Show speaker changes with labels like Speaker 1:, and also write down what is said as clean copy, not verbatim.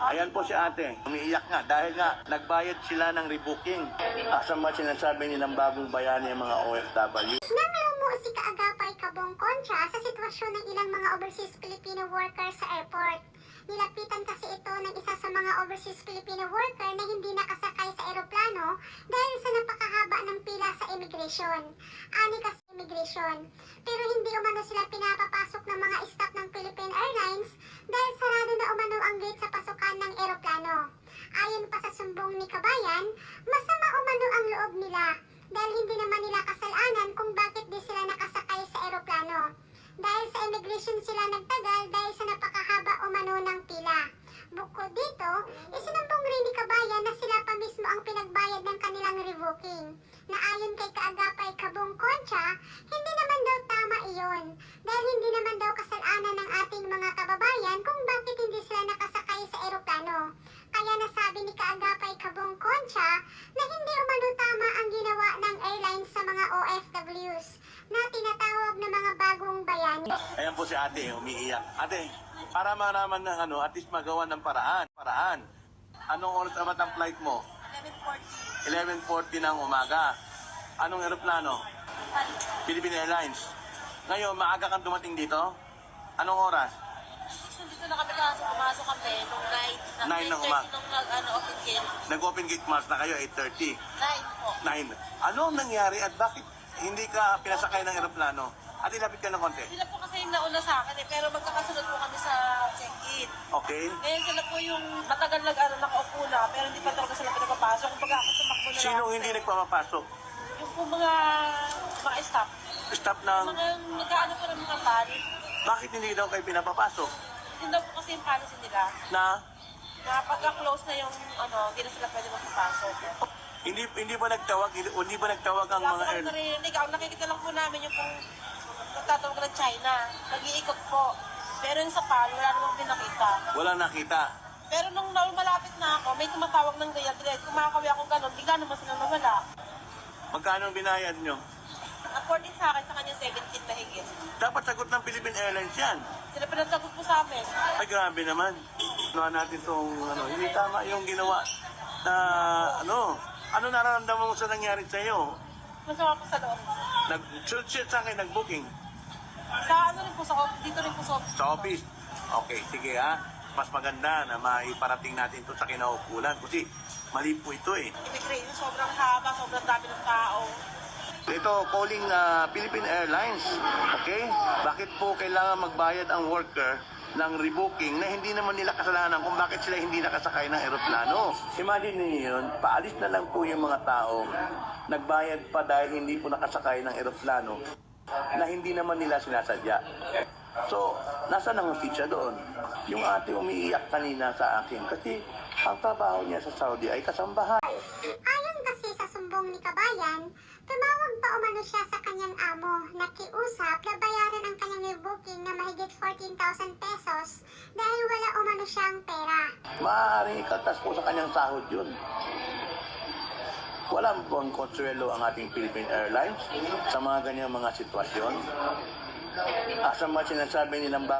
Speaker 1: Ayan po si ate, umiiyak nga dahil nga nagbayad sila ng rebooking. Asa ba sinasabi nilang bagong bayani ng mga OFW?
Speaker 2: Nang lumuo si Kaagapay Kabong kontra sa sitwasyon ng ilang mga overseas Filipino workers sa airport. Nilapitan kasi ito ng isa sa mga overseas Filipino worker na hindi nakasakay sa eroplano dahil sa napakahaba ng pila sa immigration. Ani kasi immigration. Pero hindi umano sila pinapapasok ng mga staff ng Philippine Airlines dahil sarado na umano ang gate sa pasukan ng eroplano. Ayon pa sa sumbong ni Kabayan, masama umano ang loob nila dahil hindi naman nila kasalanan kung bakit di sila nakasakay sa eroplano. Dahil sa immigration sila nagtagal dahil sa napakahaba umano ng pila. Bukod dito, isinumbong rin ni Kabayan na sila pa mismo ang pinagbayad ng kanilang revoking. Na ayon kay Kaagapay Kabong kontra, hindi naman daw tama iyon. Dahil hindi naman daw kasalanan ng ating mga kababayan kung bakit hindi sila nakasakay sa eroplano. Kaya nasabi ni Kaagapay Kabong kontra na hindi umano tama ang ginawa ng airlines sa mga OFWs na tinatawag na mga bagong bayani.
Speaker 1: Ayan po si ate, umiiyak. Ate, para maraman ng at least magawa ng paraan. Anong oras dapat ang flight mo? 11:40 ng umaga. Anong eroplano? Philippine Airlines. Ngayon, maaga kang dumating dito? Anong oras?
Speaker 3: Dito na kami pumasok kami nung
Speaker 1: 9
Speaker 3: 9.
Speaker 1: ng umaga.
Speaker 3: Nung open gate.
Speaker 1: Nag-open gate mask na kayo, 8:30.
Speaker 3: 9 po.
Speaker 1: 9. Ano ang nangyari at bakit hindi ka pinasakay ng eroplano? At ilapit ka ng konti.
Speaker 3: Sila po kasi yung nauna sa akin pero magkakasunod po kami sa check-in.
Speaker 1: Okay?
Speaker 3: Ngayon sila po yung matagal nakaupo na pero hindi pa talaga sila pinapapasok. Kumbaga ako tumakbo na lang.
Speaker 1: Sinong hindi nagpapapasok?
Speaker 3: Yung po mga staff.
Speaker 1: Staff ng...
Speaker 3: Mga nagkaano po ng mga pan.
Speaker 1: Bakit hindi daw kayo pinapapasok?
Speaker 3: Yun daw po kasi yung policy nila.
Speaker 1: Na
Speaker 3: Pagka-close na yung hindi na sila pwede magpapasok.
Speaker 1: hindi ba nagtawag ang mga
Speaker 3: Wala po narinig. Ang nakikita lang po namin yung pong nagtatawag ng China. Nag-iikot po. Pero yung sa PAL, wala namang pinakita.
Speaker 1: Walang nakita.
Speaker 3: Pero nung malapit na ako, may tumatawag ng gayat. Kumakawi ako ganun, bigla naman silang nawala.
Speaker 1: Magkano ang binayad nyo?
Speaker 3: According sa akin, sa kanya 17 na higit.
Speaker 1: Dapat sagot ng Philippine Airlines yan.
Speaker 3: Sila pinasagot po sa amin.
Speaker 1: Ay, grabe naman. Natin itong, hindi tama yung ginawa na, ano nararamdaman mo sa nangyari sa iyo?
Speaker 3: Masama po sa loob.
Speaker 1: Sa akin, nag-booking
Speaker 3: Sa rin po, dito rin po sa office.
Speaker 1: sa office. Okay, sige ha. Mas maganda na maiparating natin ito sa kinaukulan kasi mali po ito eh.
Speaker 3: Immigration, sobrang haba, sobrang dami ng tao.
Speaker 1: Ito, calling Philippine Airlines. Okay? Bakit po kailangan magbayad ang worker ng rebooking na hindi naman nila kasalanan kung bakit sila hindi nakasakay ng eroplano? Imagine niyo yun, paalis na lang po yung mga tao, nagbayad pa dahil hindi po nakasakay ng eroplano na hindi naman nila sinasadya. So, nasa ang hustisya doon? Yung ate umiiyak kanina sa akin kasi ang trabaho niya sa Saudi ay kasambahan.
Speaker 2: Ayon kasi sa sumbong ni Kabayan, tumawag pa umano siya sa kanyang amo, nakiusap na bayaran ang kanyang rebooking na mahigit 14,000 pesos dahil wala umano siyang pera.
Speaker 1: Maaaring ikatas po sa kanyang sahod yun. Walang buong konsuelo ang ating Philippine Airlines sa mga ganyang mga sitwasyon. Asa ba sinasabi nilang